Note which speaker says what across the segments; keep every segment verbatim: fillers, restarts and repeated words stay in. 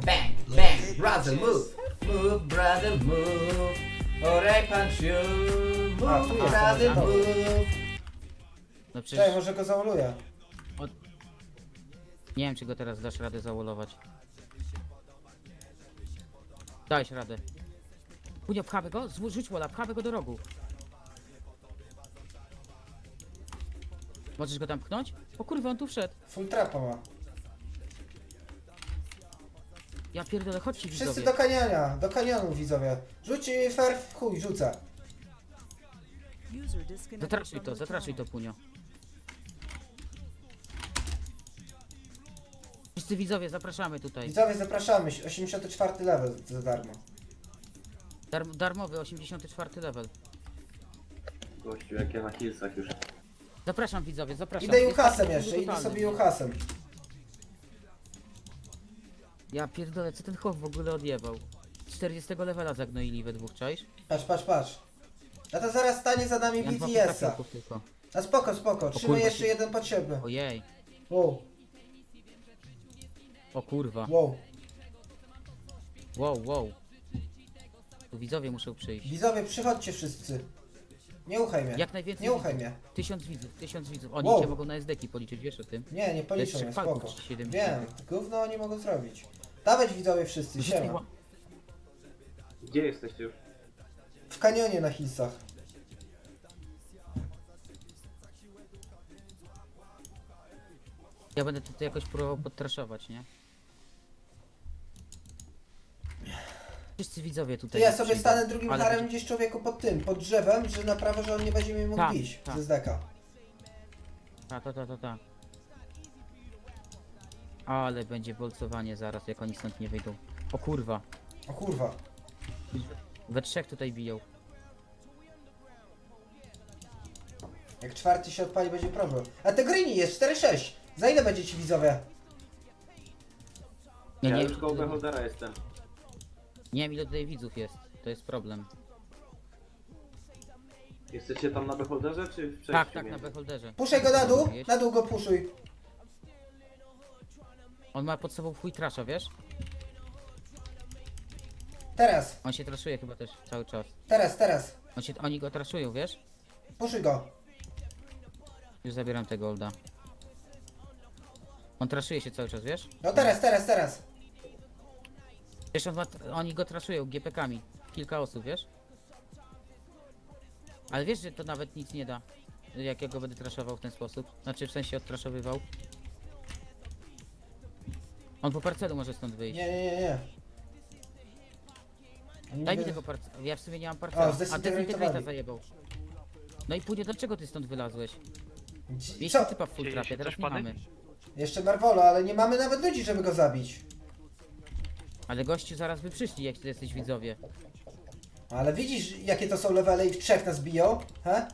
Speaker 1: Bang, bang, brother move, move, brother move, or I punch you,
Speaker 2: A,
Speaker 1: move,
Speaker 2: tu jest
Speaker 1: brother
Speaker 2: ten,
Speaker 1: move.
Speaker 3: No
Speaker 2: Czekaj,
Speaker 3: przecież
Speaker 2: może go zauluję.
Speaker 3: nie wiem, czy go teraz dasz radę zawolować. Dałeś radę. Punio, pchamy go, Zł- rzuć wola, pchamy go do rogu. Możesz go tam pchnąć? O kurwa, on tu wszedł.
Speaker 2: Full trapa ma.
Speaker 3: Ja pierdolę, chodźcie
Speaker 2: Wszyscy
Speaker 3: widzowie.
Speaker 2: do kaniania, do kanionu widzowie. Rzuć y, fair, chuj, rzucę.
Speaker 3: Zatraszuj to, zatraszuj to, Punio. Wszyscy widzowie, zapraszamy tutaj.
Speaker 2: Widzowie, zapraszamy, osiemdziesiąty czwarty level za darmo.
Speaker 3: Dar darmowy, osiemdziesiąty czwarty level.
Speaker 4: Gościu, jak ja na hillsach już.
Speaker 3: Zapraszam widzowie, zapraszam.
Speaker 2: Idę
Speaker 3: Jest
Speaker 2: Juhasem
Speaker 3: taki
Speaker 2: jeszcze, idę
Speaker 3: totalny.
Speaker 2: sobie Juhasem.
Speaker 3: Ja pierdolę, co ten chłop w ogóle odjebał? czterdziestego levela zagnoili we dwóch, czaisz?
Speaker 2: Patrz, patrz, patrz. A to zaraz stanie za nami
Speaker 3: Ja mam dwa
Speaker 2: B T S-a.
Speaker 3: trafiałków tylko.
Speaker 2: A spoko, spoko, trzymaj
Speaker 3: kurwa,
Speaker 2: jeszcze
Speaker 3: się-
Speaker 2: jeden potrzebny.
Speaker 3: Ojej,
Speaker 2: Wow,
Speaker 3: o kurwa.
Speaker 2: wow.
Speaker 3: Wow, wow. Tu widzowie muszą przyjść.
Speaker 2: Widzowie, przychodźcie wszyscy. Nie uchaj mnie.
Speaker 3: Jak najwięcej
Speaker 2: Nie uchaj
Speaker 3: widzów.
Speaker 2: mnie.
Speaker 3: Tysiąc widzów, tysiąc widzów. Oni
Speaker 2: Wow.
Speaker 3: cię mogą na S D ki policzyć, wiesz o tym?
Speaker 2: Nie, nie policzą
Speaker 3: trzech
Speaker 2: mnie,
Speaker 3: palców,
Speaker 2: spoko.
Speaker 3: czy siedem
Speaker 2: Wiem, gówno oni mogą zrobić. Dawać widzowie wszyscy, siema.
Speaker 4: Gdzie jesteście już?
Speaker 2: W kanionie na hillsach.
Speaker 3: Ja będę tutaj jakoś próbował podtraszować, nie? Wszyscy widzowie
Speaker 2: To
Speaker 3: tutaj.
Speaker 2: ja
Speaker 3: jak
Speaker 2: sobie
Speaker 3: przyjdą.
Speaker 2: stanę drugim
Speaker 3: Ale
Speaker 2: harem
Speaker 3: będzie-
Speaker 2: gdzieś człowieku pod tym, pod drzewem, że na prawo, że on nie będzie mi mógł
Speaker 3: Tak,
Speaker 2: bić
Speaker 3: tak.
Speaker 2: ze zdeka.
Speaker 3: Ta, ta, ta, ta, ta. Ale będzie bolcowanie zaraz, jak oni stąd nie wyjdą. O kurwa.
Speaker 2: O kurwa.
Speaker 3: We trzech tutaj biją.
Speaker 2: Jak czwarty się odpali, będzie problem. A te greeny jest cztery sześć. Za ile będzie ci widzowie?
Speaker 3: Nie,
Speaker 4: Ja
Speaker 3: nie,
Speaker 4: już koło beholdera jestem.
Speaker 3: nie wiem ile tutaj widzów jest. To jest problem.
Speaker 4: Jesteście tam na beholderze, czy w przejściu?
Speaker 3: Tak, tak, na
Speaker 4: między?
Speaker 3: beholderze.
Speaker 2: Puszczaj go na dół,
Speaker 3: Wiesz?
Speaker 2: na dół go puszuj.
Speaker 3: On ma pod sobą fuj trasza, wiesz?
Speaker 2: Teraz,
Speaker 3: On się traszuje chyba też cały czas.
Speaker 2: teraz, teraz.
Speaker 3: On się, oni go traszują, wiesz?
Speaker 2: Puszuj go.
Speaker 3: Już zabieram tego olda. On traszuje się cały czas, wiesz?
Speaker 2: No teraz, teraz, teraz.
Speaker 3: Wiesz, on ma, oni go traszują G P kami. Kilka osób, wiesz? Ale wiesz, że to nawet nic nie da. Jak ja go będę traszował w ten sposób. Znaczy w sensie odtraszowywał. On po parcelu może stąd wyjść.
Speaker 2: Nie, nie, nie, nie. Oni
Speaker 3: Daj mi
Speaker 2: by-
Speaker 3: tego parcela. Ja w sumie nie mam
Speaker 2: O,
Speaker 3: parcela. A
Speaker 2: zdezintegrowali.
Speaker 3: dezintegrator zajebał. No i pójdzie, dlaczego ty stąd wylazłeś?
Speaker 2: Dzi-
Speaker 3: Mieliśmy
Speaker 2: Co?
Speaker 3: typa w full
Speaker 5: Dzieje
Speaker 3: trapie,
Speaker 5: się
Speaker 3: teraz
Speaker 5: coś,
Speaker 3: nie
Speaker 5: pany?
Speaker 3: mamy.
Speaker 2: Jeszcze Marvolo, ale nie mamy nawet ludzi, żeby go zabić.
Speaker 3: Ale gościu zaraz by przyszli, jak ty jesteś widzowie.
Speaker 2: Ale widzisz, jakie to są levele i w trzech nas biją? He?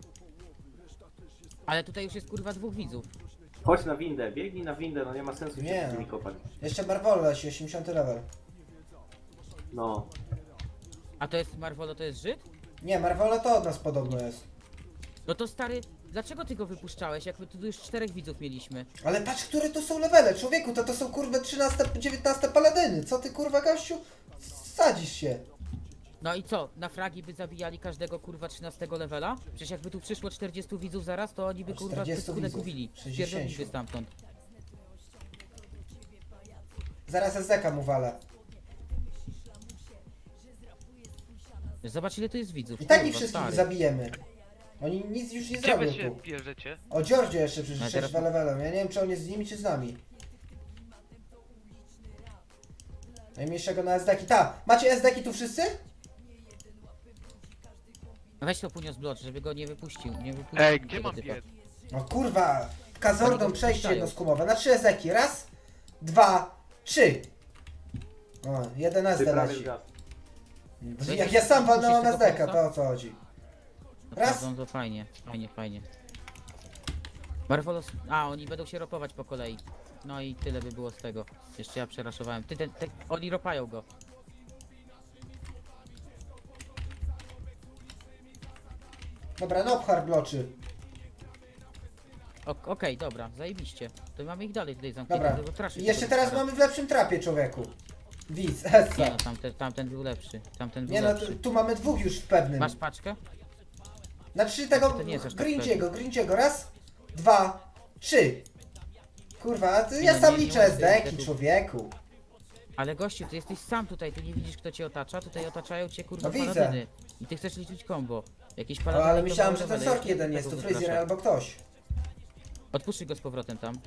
Speaker 3: Ale tutaj już jest kurwa dwóch widzów.
Speaker 4: Chodź na windę, biegnij na windę, no nie ma sensu
Speaker 2: Nie.
Speaker 4: się z nimi kopać.
Speaker 2: Jeszcze Marvolo, się osiemdziesiąty level.
Speaker 4: No.
Speaker 3: A to jest Marvolo, to jest Żyd?
Speaker 2: Nie, Marvolo to od nas podobno jest.
Speaker 3: No to stary, dlaczego ty go wypuszczałeś, jak my tu już czterech widzów mieliśmy?
Speaker 2: Ale patrz, które to są levele, człowieku, to to są kurwa trzynaste, dziewiętnaste paladyny. Co ty kurwa gościu? Sadzisz się.
Speaker 3: No i co, na fragi by zabijali każdego kurwa trzynastego levela? Przecież jakby tu przyszło czterdziestu widzów zaraz, to oni by kurwa
Speaker 2: czterdziestu
Speaker 3: pyskune
Speaker 2: widzów,
Speaker 3: gubili.
Speaker 2: sześćdziesięciu.
Speaker 3: Spierdoliliby stamtąd.
Speaker 2: Zaraz S D K mu walę.
Speaker 3: Zobacz ile tu jest widzów.
Speaker 2: I tak ich
Speaker 3: kurwa,
Speaker 2: wszystkich
Speaker 3: stary.
Speaker 2: zabijemy. Oni nic już nie
Speaker 5: Gdzie wy
Speaker 2: zrobią
Speaker 5: się
Speaker 2: tu.
Speaker 5: bierzecie?
Speaker 2: O Georgie jeszcze przecież
Speaker 3: No
Speaker 2: no,
Speaker 3: teraz-
Speaker 2: dwa levelem. Ja nie wiem, czy on jest z nimi, czy z nami. Najmniejszego na S D K. Ta, macie S D K tu wszyscy?
Speaker 3: Weź to punio z blocz, żeby go nie wypuścił. Nie wypuścił
Speaker 5: Ej, gdzie
Speaker 3: tego
Speaker 5: mam
Speaker 3: typa.
Speaker 5: biec?
Speaker 2: O kurwa, Kazordą
Speaker 3: Oni go
Speaker 2: przejście
Speaker 3: wpuszczają.
Speaker 2: jednoskumowe. Na trzy S D Ki. Raz, dwa, trzy. O, jeden S
Speaker 4: Ty
Speaker 2: D
Speaker 4: prawie
Speaker 2: leci.
Speaker 4: zgasł.
Speaker 2: Jak ja sam walnąłem
Speaker 3: Musisz
Speaker 2: S D Ka,
Speaker 3: tego
Speaker 2: to o co chodzi? Raz.
Speaker 3: Naprawdę, to fajnie, fajnie, fajnie. Marvolos... A, oni będą się ropować po kolei. No i tyle by było z tego. Jeszcze ja przeraszowałem. Ty, ten, ten, oni ropają go.
Speaker 2: Dobra, no hard bloczy.
Speaker 3: O- Okej, dobra, zajebiście. To mamy ich dalej tutaj zamknięte.
Speaker 2: Dobra.
Speaker 3: bo traszy
Speaker 2: I jeszcze
Speaker 3: tylko
Speaker 2: teraz
Speaker 3: wypada.
Speaker 2: mamy w lepszym trapie, człowieku. Widz,
Speaker 3: Nie
Speaker 2: Essa.
Speaker 3: no, tamten, tamten był lepszy. Tamten był
Speaker 2: Nie no,
Speaker 3: lepszy.
Speaker 2: tu, tu mamy dwóch już w pewnym.
Speaker 3: Masz paczkę?
Speaker 2: Znaczy tego
Speaker 3: To nie jest aż tak
Speaker 2: Grinciego, Grinciego. Raz, dwa, trzy. Kurwa, a ty,
Speaker 3: Nie
Speaker 2: ja
Speaker 3: no,
Speaker 2: sam
Speaker 3: nie- nie
Speaker 2: liczę
Speaker 3: ma
Speaker 2: S D ki,
Speaker 3: sensu.
Speaker 2: człowieku.
Speaker 3: Ale gościu, ty jesteś sam tutaj, ty nie widzisz kto cię otacza, tutaj otaczają cię kurwa
Speaker 2: No widzę.
Speaker 3: paladyny. I ty chcesz liczyć combo. Jakieś
Speaker 2: O,
Speaker 3: paladyny.
Speaker 2: ale
Speaker 3: to
Speaker 2: myślałem,
Speaker 3: mało
Speaker 2: że ten
Speaker 3: levele,
Speaker 2: Sork
Speaker 3: ja
Speaker 2: jeden
Speaker 3: tego
Speaker 2: jest, to
Speaker 3: wypraszam.
Speaker 2: Fryzjer albo ktoś.
Speaker 3: Odpuszczaj go z powrotem tam.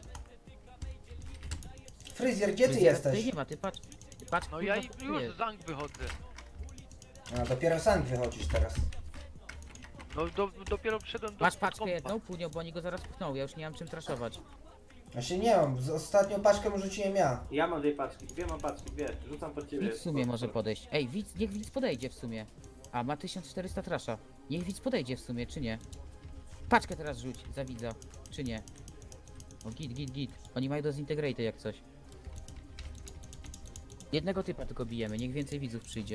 Speaker 2: Fryzjer, gdzie ty
Speaker 3: Fryzjera tutaj
Speaker 2: jesteś?
Speaker 3: nie ma, ty patrz. Ty patrz
Speaker 5: No
Speaker 3: kurwa,
Speaker 5: ja
Speaker 3: co tu
Speaker 5: już
Speaker 3: jest.
Speaker 5: z Zank wychodzę.
Speaker 2: A, dopiero sam wychodzisz teraz.
Speaker 5: No do, dopiero wszedłem do
Speaker 3: Masz paczkę
Speaker 5: kompa.
Speaker 3: jedną, Punio, bo oni go zaraz pchną, ja już nie mam czym traszować.
Speaker 2: Właśnie nie mam, z- ostatnią paczkę mu rzuciłem ja.
Speaker 4: Ja mam dwie paczki, dwie mam paczki, dwie. Rzucam pod ciebie.
Speaker 3: Widz w sumie może podejść. Ej, widz, niech widz podejdzie w sumie. A, ma tysiąc czterysta trasza. Niech widz podejdzie w sumie, czy nie? Paczkę teraz rzuć za widza, czy nie? O, git, git, git. Oni mają do zintegraty jak coś. Jednego typa tylko bijemy, niech więcej widzów przyjdzie.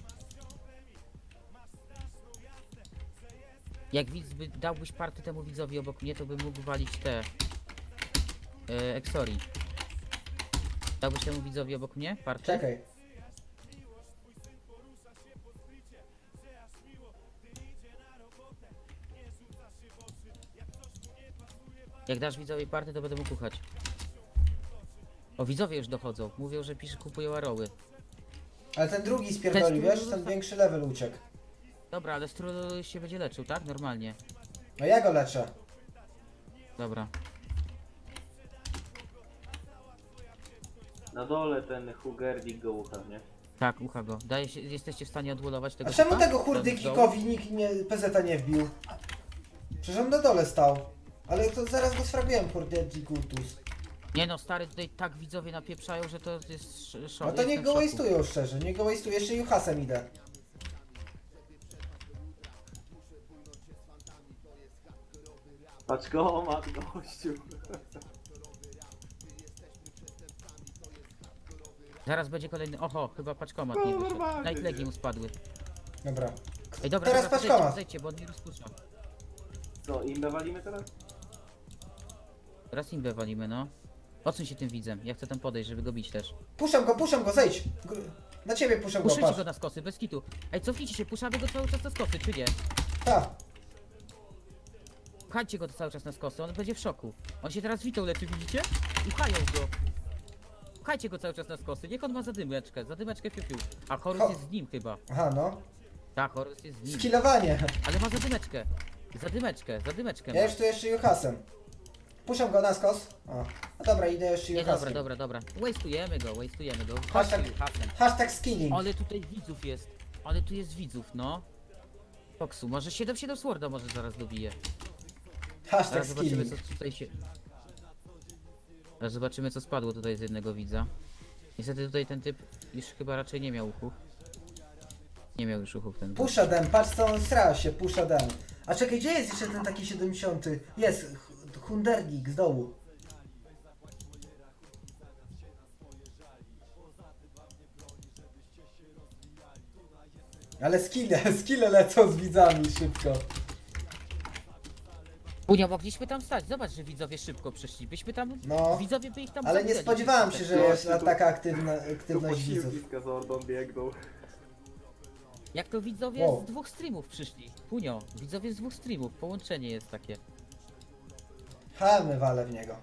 Speaker 3: Jak widz by dałbyś party temu widzowi obok mnie, to bym mógł walić te... E, Exori. Dałbyś temu widzowi obok mnie party?
Speaker 2: Czekaj.
Speaker 3: Jak dasz widzowi party, to będę mógł kuchać. O, widzowie już dochodzą. Mówią, że pisze kupują aroły.
Speaker 2: Ale ten drugi spierdolił,
Speaker 3: Testu-
Speaker 2: wiesz? Ten większy level uciekł.
Speaker 3: Dobra, ale stru się będzie leczył, tak? Normalnie.
Speaker 2: No ja go leczę.
Speaker 3: Dobra.
Speaker 4: Na dole ten Hugerdik go ucha, nie?
Speaker 3: Tak, ucha go. Daje się, jesteście w stanie odwolować tego
Speaker 2: A czemu
Speaker 3: typa?
Speaker 2: tego
Speaker 3: Ten
Speaker 2: hurdykikowi nikt nie, P Z nie wbił? Przecież on na dole stał. Ale to zaraz go sfrabiłem, hurdykikutus.
Speaker 3: Nie no, stary, tutaj tak widzowie napieprzają, że to jest sz- szok.
Speaker 2: No to niech
Speaker 3: Jestem
Speaker 2: go
Speaker 3: w szoku.
Speaker 2: wastują szczerze, niech go wastują. Jeszcze Juhasem idę.
Speaker 4: Paczkomat, gościu.
Speaker 3: Zaraz będzie kolejny... Oho, chyba paczkomat nie
Speaker 4: No,
Speaker 3: wyszedł.
Speaker 4: normalnie,
Speaker 3: Night legi
Speaker 4: nie.
Speaker 3: mu spadły.
Speaker 2: Dobra.
Speaker 3: Ej, dobra,
Speaker 2: Teraz
Speaker 3: dobra,
Speaker 2: paczkomat.
Speaker 3: zejdźcie, zejdźcie, bo on mi rozpuszcza.
Speaker 4: Co, imbę walimy teraz?
Speaker 3: Teraz imbę walimy, no. Odsuń się tym widzem, ja chcę tam podejść, żeby go bić też.
Speaker 2: Puszczam go, puszczam go, zejdź! Gr- Na ciebie puszczam go,
Speaker 3: Puszczajcie
Speaker 2: patrz.
Speaker 3: go na skosy, bez kitu. Ej, cofnijcie się, puszczamy go cały czas na skosy, czy nie?
Speaker 2: Ta.
Speaker 3: Pchajcie go cały czas na skosy, on będzie w szoku. On się teraz witał leczy, widzicie? I pchają go. Pchajcie go cały czas na skosy, niech on ma zadymeczkę, zadymeczkę piu, piu. A Horus
Speaker 2: Ho-
Speaker 3: jest z nim chyba.
Speaker 2: Aha, no.
Speaker 3: Tak, Horus jest z nim.
Speaker 2: Skillowanie.
Speaker 3: Ale ma zadymeczkę. Zadymeczkę, zadymeczkę ma.
Speaker 2: Ja już tu jeszcze Juhasem. Puszczam go na skos. O. No dobra, idę jeszcze
Speaker 3: Nie, dobra,
Speaker 2: Juhasem.
Speaker 3: dobra, dobra. Wastujemy go, wastujemy go.
Speaker 2: Hashtag-
Speaker 3: Chodźmy, hasem.
Speaker 2: Hashtag skilling.
Speaker 3: Ale tutaj widzów jest. Ale tu jest widzów, no. Foxu, może siedem siedem Sworda może zaraz dobije.
Speaker 2: Hashtag
Speaker 3: Zaraz zobaczymy
Speaker 2: skilling.
Speaker 3: co tutaj się... Zaraz zobaczymy co spadło tutaj z jednego widza. Niestety tutaj ten typ już chyba raczej nie miał uchów. Nie miał już uchów ten.
Speaker 2: Pusza dem, patrz co on sra się, pusza dem. A czekaj, gdzie jest jeszcze ten taki siedemdziesiąty? Jest, H- Hundernik z dołu. Ale skille, skille lecą z widzami szybko.
Speaker 3: Punio, mogliśmy tam stać. Zobacz, że widzowie szybko przyszli. Byśmy tam...
Speaker 2: No.
Speaker 3: Widzowie by ich tam
Speaker 2: Ale nie
Speaker 3: zabijali.
Speaker 2: spodziewałem się, że
Speaker 4: No,
Speaker 2: jest
Speaker 4: tu-
Speaker 2: taka aktywna,
Speaker 4: Tu
Speaker 2: aktywność widzów.
Speaker 4: posiłki z kazordą biegną.
Speaker 3: Jak to widzowie
Speaker 2: Wow.
Speaker 3: z dwóch streamów przyszli. Punio, widzowie z dwóch streamów. Połączenie jest takie.
Speaker 2: Chamy wale w niego.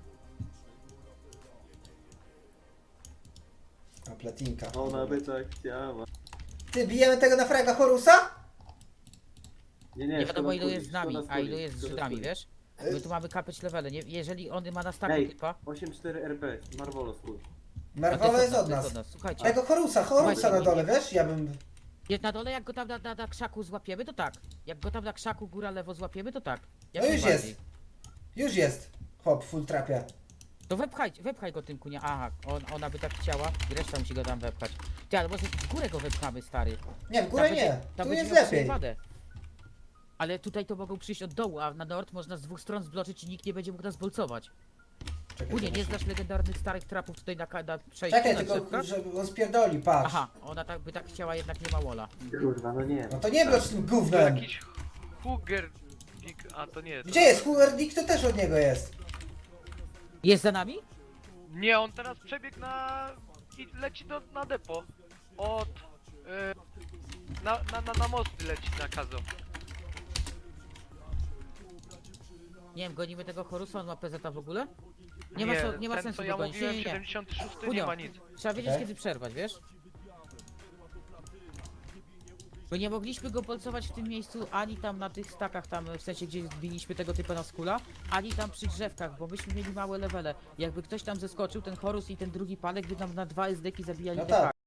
Speaker 2: A platinka.
Speaker 4: Ona by tak chciała.
Speaker 2: Ty, bijemy tego na fraga Horusa?
Speaker 4: Nie, nie,
Speaker 3: Nie wiadomo
Speaker 4: szkoda
Speaker 3: ilu
Speaker 4: skóry,
Speaker 3: jest z nami,
Speaker 4: szkoda
Speaker 3: a ilu
Speaker 4: skóry,
Speaker 3: jest z
Speaker 4: szkoda
Speaker 3: Żydami,
Speaker 4: skóry.
Speaker 3: wiesz? My tu mamy kapeć levele, nie? Jeżeli on ma na startu
Speaker 4: Ej,
Speaker 3: typa...
Speaker 4: osiem cztery R P, Marvolo swój.
Speaker 3: a
Speaker 2: Marwola
Speaker 3: to
Speaker 2: jest od
Speaker 3: to
Speaker 2: nas.
Speaker 3: Słuchajcie,
Speaker 2: Tego Horusa, Horusa
Speaker 3: Słuchajcie,
Speaker 2: na dole,
Speaker 3: nie-
Speaker 2: wiesz? Ja bym...
Speaker 3: jest na dole, jak go tam na, na, na krzaku złapiemy, to tak. Jak go tam na krzaku góra lewo złapiemy, to tak. Jak
Speaker 2: No już
Speaker 3: najbardziej.
Speaker 2: jest. Już jest. Hop, full trapia.
Speaker 3: To wepchaj, wepchaj go tym kunia. Aha, on, ona by tak chciała i reszta musi go tam wepchać. Ty, ale może w górę go wepchamy, stary.
Speaker 2: Nie, w
Speaker 3: Tam
Speaker 2: górę
Speaker 3: będzie-
Speaker 2: nie.
Speaker 3: tam
Speaker 2: Tu
Speaker 3: będzie
Speaker 2: jest
Speaker 3: miał
Speaker 2: lepiej.
Speaker 3: przewadę. Ale tutaj to mogą przyjść od dołu, a na nord można z dwóch stron zbloczyć i nikt nie będzie mógł nas bolcować.
Speaker 2: Czekaj,
Speaker 3: Kunie, nie
Speaker 2: zobaczę.
Speaker 3: znasz legendarnych starych trapów tutaj na, ka- na przejściu
Speaker 2: Czekaj,
Speaker 3: na
Speaker 2: tylko
Speaker 3: drzewkach?
Speaker 2: żeby on spierdoli, patrz.
Speaker 3: Aha, ona tak by tak chciała, jednak nie ma wola.
Speaker 4: Kurwa, no nie.
Speaker 2: No to nie blocz tym
Speaker 5: To
Speaker 2: gównem.
Speaker 5: jakiś Huger... A to nie. To...
Speaker 2: Gdzie jest? Huerdik to też od niego jest.
Speaker 3: Jest za nami?
Speaker 5: Nie, on teraz przebiegł na... i leci do, na depo. Od... E, na, na, na, na mosty leci na kazo.
Speaker 3: Nie wiem, gonimy tego Horusa, on ma P Z w ogóle? Nie ma,
Speaker 5: Nie,
Speaker 3: so, nie ma
Speaker 5: ten,
Speaker 3: sensu
Speaker 5: co
Speaker 3: go
Speaker 5: ja
Speaker 3: gonić.
Speaker 5: mówiłem,
Speaker 3: Nie, nie, nie.
Speaker 5: siedemdziesiąty szósty nie
Speaker 3: Punio,
Speaker 5: ma nic.
Speaker 3: trzeba wiedzieć
Speaker 2: Okej.
Speaker 3: kiedy przerwać, wiesz? Bo nie mogliśmy go polcować w tym miejscu, ani tam na tych stakach tam, w sensie gdzie zbiliśmy tego typa na skula, ani tam przy drzewkach, bo myśmy mieli małe levele. Jakby ktoś tam zeskoczył, ten Horus i ten drugi palek by nam na dwa S D-ki zabijali
Speaker 2: No
Speaker 3: te
Speaker 2: tak.